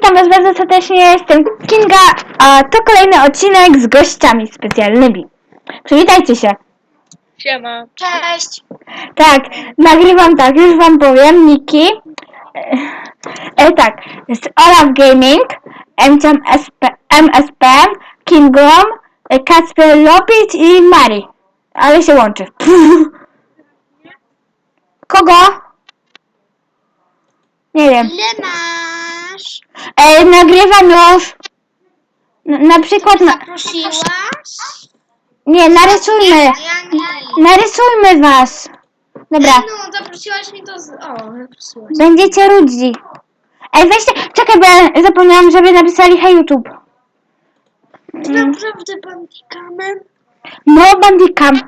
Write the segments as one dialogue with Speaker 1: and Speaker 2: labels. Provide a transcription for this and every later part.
Speaker 1: Witam was bardzo serdecznie, jestem Kinga, a to kolejny odcinek z gościami specjalnymi. Przywitajcie się.
Speaker 2: Siema.
Speaker 3: Cześć!
Speaker 1: Tak, nagrywam tak, już wam powiem, Niki. Tak, jest Olaf Gaming, MSP, Kingom, Kacper Lopit i Mari. Ale się łączy. Kogo? Nie wiem.
Speaker 3: Ile masz?
Speaker 1: Nagrywam już. Na przykład...
Speaker 3: Zaprosiłaś?
Speaker 1: Nie, narysujmy.
Speaker 3: Ja nie.
Speaker 1: Narysujmy was. Dobra,
Speaker 3: No, zaprosiłaś mnie to z... O, zaprosiłaś.
Speaker 1: będziecie rudzi. Weźcie, czekaj, bo ja zapomniałam, żeby napisali hej YouTube.
Speaker 3: Ty naprawdę bandikamem?
Speaker 1: No, bandikam.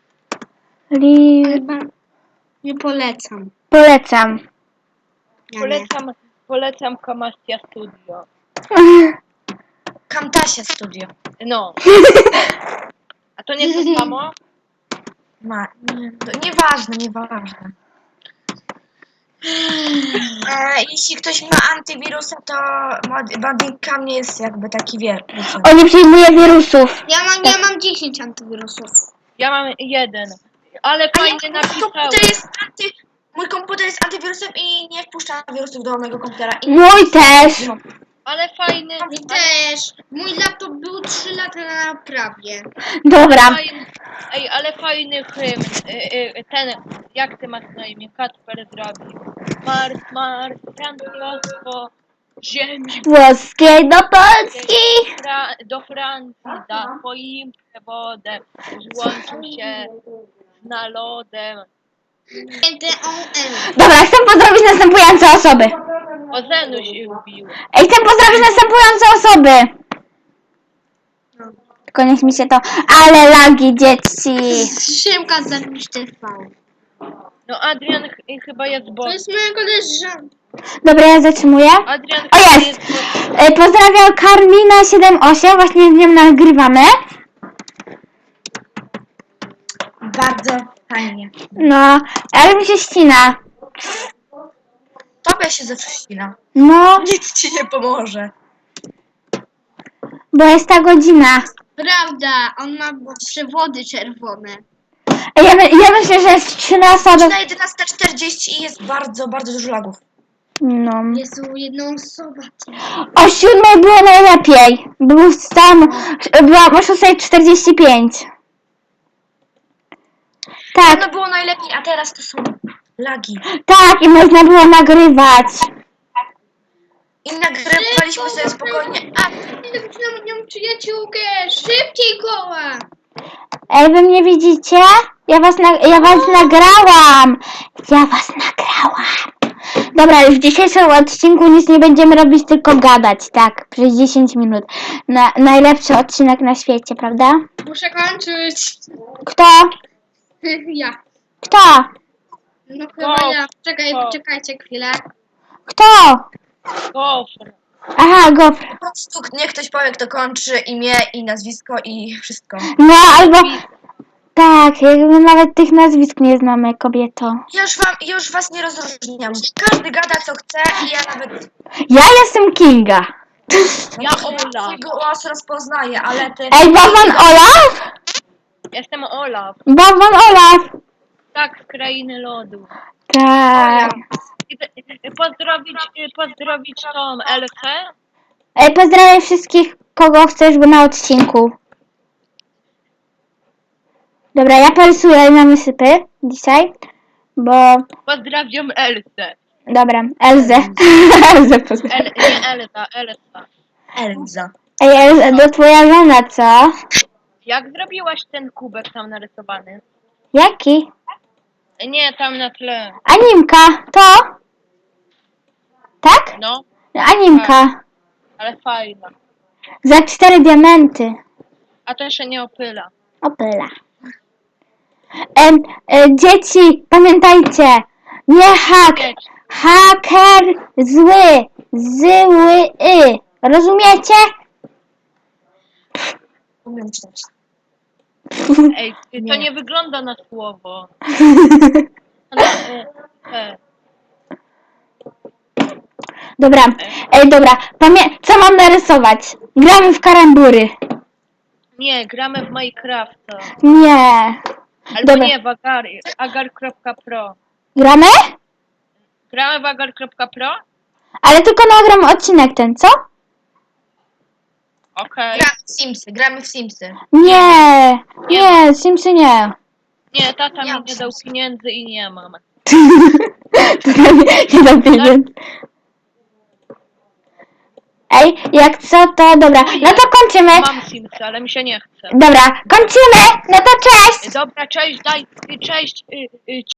Speaker 3: Nie polecam.
Speaker 1: Polecam.
Speaker 3: Ja nie.
Speaker 2: Polecam Kamastia Studio.
Speaker 3: Camtasia Studio.
Speaker 2: No. A to nie to samo?
Speaker 3: Nieważne. Jeśli ktoś ma antywirusa, to Bandicam nie jest jakby taki wiecie.
Speaker 1: On nie przyjmuje wirusów.
Speaker 3: Ja mam 10 antywirusów.
Speaker 2: Ja mam jeden. Ale fajnie napisałem.
Speaker 3: Mój komputer jest antywirusem i nie wpuszcza wirusów do mojego komputera.
Speaker 1: Mój też.
Speaker 2: Ale fajny.
Speaker 3: Mi też. Mój laptop był 3 lata na naprawie.
Speaker 1: Dobra.
Speaker 2: Ej, ale fajny hymn. Ten, jak ty masz na imię? Kacper zrobił. Mars, francusku, ziemi.
Speaker 1: Włoskiej do Polski.
Speaker 2: Do Francji da swoim przewodem. Złączył się z narodem.
Speaker 1: Dobra, chcę pozdrowić następujące osoby.
Speaker 2: O Zenu się ubił.
Speaker 1: Chcę pozdrowić następujące osoby. Tylko niech mi się to... Ale lagi, dzieci.
Speaker 3: Szymka zapisz TV.
Speaker 2: No Adrian chyba jest
Speaker 3: To
Speaker 2: bot.
Speaker 3: jest moja koleżanka.
Speaker 1: Dobra, ja zatrzymuję.
Speaker 2: Adrian
Speaker 1: O,
Speaker 2: chyba
Speaker 1: jest.
Speaker 2: bot.
Speaker 1: Pozdrawiam Karmina78, właśnie z nią nagrywamy.
Speaker 3: Bardzo fajnie.
Speaker 1: No, ale mi się ścina.
Speaker 3: Tobie się zawsze ścina.
Speaker 1: No,
Speaker 3: Nic ci nie pomoże.
Speaker 1: bo jest ta godzina.
Speaker 3: Prawda, on ma przewody czerwone.
Speaker 1: Ja myślę, że jest 13 do...
Speaker 3: Na 11:40 i jest bardzo, bardzo dużo lagów.
Speaker 1: No.
Speaker 3: Jest jedna osoba.
Speaker 1: O 7 było najlepiej. Był tam... Byłam o 6:45. Tak,
Speaker 3: No było najlepiej, a teraz to są lagi.
Speaker 1: tak, i można było nagrywać.
Speaker 3: I nagrywaliśmy sobie spokojnie. A, na nią przyjaciółkę! Szybciej koła!
Speaker 1: Wy mnie widzicie? Ja was nagrałam. Ja was nagrałam. Dobra, już w dzisiejszym odcinku nic nie będziemy robić, tylko gadać, tak, przez 10 minut. Najlepszy odcinek na świecie, prawda?
Speaker 3: Muszę kończyć.
Speaker 1: Kto?
Speaker 3: Ja.
Speaker 1: Kto?
Speaker 3: No chyba ja. Czekajcie chwilę.
Speaker 1: Kto?
Speaker 2: Gofr.
Speaker 1: Aha, gofr.
Speaker 3: Po prostu niech ktoś powie, kto kończy imię i nazwisko i wszystko.
Speaker 1: No, albo... Tak, jakby nawet tych nazwisk nie znamy, kobieto.
Speaker 3: Już was nie rozróżniam. Każdy gada co chce i ja nawet
Speaker 1: Ja jestem Kinga.
Speaker 2: Ja Olaf.
Speaker 3: twój głos rozpoznaję, ale ty...
Speaker 1: Ej, Bawon Olaf?
Speaker 2: Jestem Olaf.
Speaker 1: Bawon Olaf.
Speaker 2: Tak, z krainy lodu.
Speaker 1: Tak.
Speaker 2: Pozdrowić tą Elfę.
Speaker 1: Pozdrawiam wszystkich, kogo chcesz, bo na odcinku. Dobra, ja porysuję na wysypy dzisiaj, bo...
Speaker 2: Pozdrawiam Elfę.
Speaker 1: Dobra, Elzę. Elzę pozdrawiam.
Speaker 2: Nie Elza, Elsa.
Speaker 3: Elza.
Speaker 1: Ej, Elza, to twoja żona, co?
Speaker 2: Jak zrobiłaś ten kubek tam narysowany?
Speaker 1: Jaki?
Speaker 2: Nie, tam na tle.
Speaker 1: Animka, to? Tak?
Speaker 2: No,
Speaker 1: Animka.
Speaker 2: ale fajna.
Speaker 1: Za 4 diamenty.
Speaker 2: A to się nie opyla.
Speaker 1: Opyla. Dzieci, pamiętajcie, nie haker zły, zły, rozumiecie?
Speaker 3: Umiem czytać.
Speaker 2: Ej, to nie wygląda na słowo.
Speaker 1: Dobra, dobra. Co mam narysować? Gramy w karambury.
Speaker 2: Nie, gramy w Minecrafta.
Speaker 1: Nie.
Speaker 2: Albo
Speaker 1: Dobra.
Speaker 2: nie, w agar.pro.
Speaker 1: Gramy?
Speaker 2: Gramy w agar.pro?
Speaker 1: Ale tylko nagram odcinek ten, co?
Speaker 2: Okej.
Speaker 3: Gramy w Simsy.
Speaker 1: Nie, Simsy nie.
Speaker 2: Nie, tata
Speaker 3: Ja
Speaker 2: mi nie dał
Speaker 3: Simsy.
Speaker 2: pieniędzy i nie mam.
Speaker 1: Nie dam pieniędzy. Ej, jak co, to dobra. No to kończymy.
Speaker 2: Mam Simsy, ale mi się nie chce.
Speaker 1: Dobra, kończymy. No to cześć.
Speaker 2: Dobra, cześć, cześć.